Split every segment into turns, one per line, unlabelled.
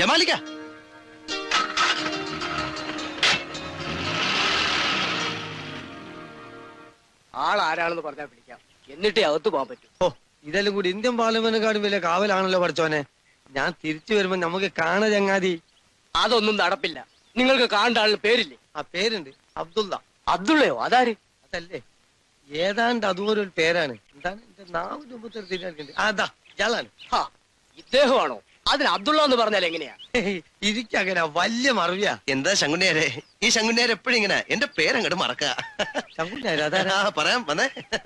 ജമാലിക്ക,
ആളാരാണെന്ന് പറഞ്ഞാൽ പിടിക്കാം, എന്നിട്ടേ അകത്ത് പോകാൻ പറ്റും.
ഓ ഇതെല്ലാം കൂടി ഇന്ത്യൻ പാർലമെന്റിനെക്കാളും വലിയ കാവലാണല്ലോ പഠിച്ചോനെ. ഞാൻ തിരിച്ചു വരുമ്പോ നമുക്ക് കാണ ചങ്ങാതി.
അതൊന്നും നടപ്പില്ല. നിങ്ങൾക്ക് കാണേണ്ട ആളിന് പേരില്ലേ?
ആ പേരുണ്ട്, അബ്ദുള്ള.
അബ്ദുള്ളയോ? അതാര്?
അതല്ലേ, ഏതാണ്ട് അതുപോലെ ഒരു പേരാണ്. എന്താണ് എന്റെ നാവിന്റെ മുമ്പത്തെ തിരിഞ്ഞിട്ടുണ്ട്. അതാ ഇയാളാണ്.
ഇദ്ദേഹമാണോ? അതിന് അബ്ദുള്ള എന്ന് പറഞ്ഞാൽ എങ്ങനെയാ?
ഇരിക്കങ്ങനെ വലിയ മറവിയാ.
എന്താ ശങ്കുണ്ണിയാരെ, ഈ ശങ്കുണ്ണിയാരെ എപ്പോഴും ഇങ്ങനെ എന്റെ പേരങ്ങോട്ട് മറക്ക.
അതാ
പറയാം വന്നേ.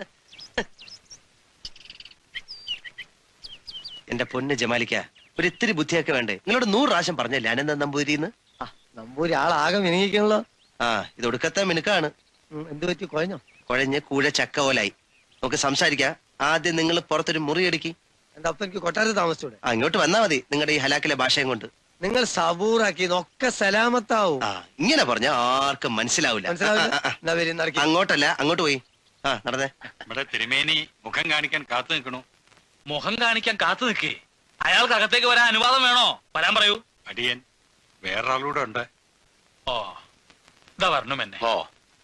എന്റെ പൊന്ന് ജമാലിക്ക, ഒരു ഇത്തിരി ബുദ്ധിയൊക്കെ വേണ്ടേ? നിങ്ങളോട് 100 പ്രാവശ്യം പറഞ്ഞല്ലേ അനന്ത നമ്പൂരിന്ന്.
നമ്പൂരി ആളാകെ മിനിക്കണല്ലോ.
ആ ഇത് ഒടുക്കത്തെ മിനുക്കാണ്.
എന്ത് പറ്റി? കുഴഞ്ഞോ?
കുഴഞ്ഞ് കൂഴ ചക്ക പോലായി. നമുക്ക് സംസാരിക്കാം. ആദ്യം നിങ്ങൾ പുറത്തൊരു മുറി അടിക്കി.
എന്റെ അപ്പൊ എനിക്ക് കൊട്ടാരത്തിൽ താമസിച്ചൂടെ?
ഇങ്ങോട്ട് വന്നാ മതി, നിങ്ങളുടെ ഈ ഹലാക്കിലെ ഭാഷയും കൊണ്ട്.
നിങ്ങൾ സബൂറാക്കി ഒക്കെ സലാമത്താവും.
ഇങ്ങനെ പറഞ്ഞ ആർക്കും മനസ്സിലാവില്ല. അങ്ങോട്ടല്ല, അങ്ങോട്ട് പോയി. നടന്നേ.
ഇവിടെ തിരുമേനി മുഖം കാണിക്കാൻ കാത്തു നിൽക്കണു. മുഖം കാണിക്കാൻ കാത്തു നിൽക്കേ? അയാൾക്ക് അകത്തേക്ക് വരാൻ അനുവാദം വേണോ? വരാൻ പറയൂ. അടിയൻ വേറൊരാളൂടെ ഉണ്ട്. ഓ ഇതാ വരണം എന്നെ. ഓ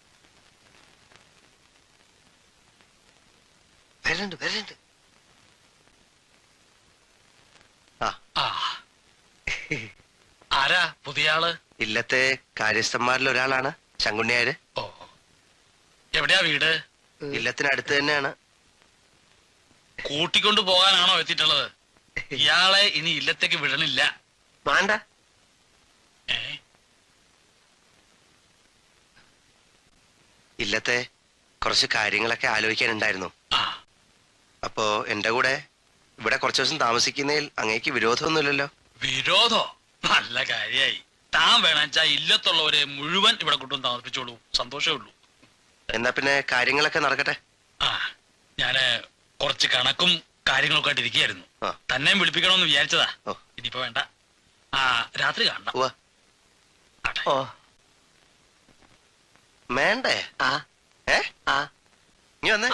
വരണ്ട് വരണ്ട്.
ആരാ പുതിയ ആള്?
ഇല്ലത്തെ കാര്യസ്ഥന്മാരിൽ ഒരാളാണ് ശങ്കുണ്ണിയാര്.
ഓ എവിടെയാ വീട്?
ഇല്ലത്തിനടുത്ത് തന്നെയാണ്.
കൂട്ടിക്കൊണ്ടു പോകാനാണോ എത്തിയിട്ടുള്ളത്? ഇയാളെ ഇനി ഇല്ലത്തേക്ക് വിടണില്ല.
വേണ്ട. ഇല്ലത്തെ കുറച്ച് കാര്യങ്ങളൊക്കെ ആലോചിക്കാനുണ്ടായിരുന്നു. അപ്പോ എന്റെ കൂടെ ഇവിടെ കുറച്ചു ദിവസം താമസിക്കുന്നതിൽ അങ്ങേക്ക് വിരോധമൊന്നുമില്ലല്ലോ?
വിരോധോ? നല്ല കാര്യായി. താൻ വേണച്ചാ ഇല്ലത്തുള്ളവരെ മുഴുവൻ ഇവിടെ കൊണ്ടുവന്ന് താമസിപ്പിച്ചോളൂ, സന്തോഷമേ ഉള്ളൂ.
എന്നാ പിന്നെ കാര്യങ്ങളൊക്കെ നടക്കട്ടെ.
ഞാന് കുറച്ച് കണക്കും കാര്യങ്ങളൊക്കെ ആയിട്ട് ഇരിക്കുകയായിരുന്നു. തന്നെയും വിളിപ്പിക്കണമെന്ന് വിചാരിച്ചതാ. ഇനിയിപ്പോ വേണ്ട, രാത്രി കാണണം.
വേണ്ടേ? നീ വന്നേ.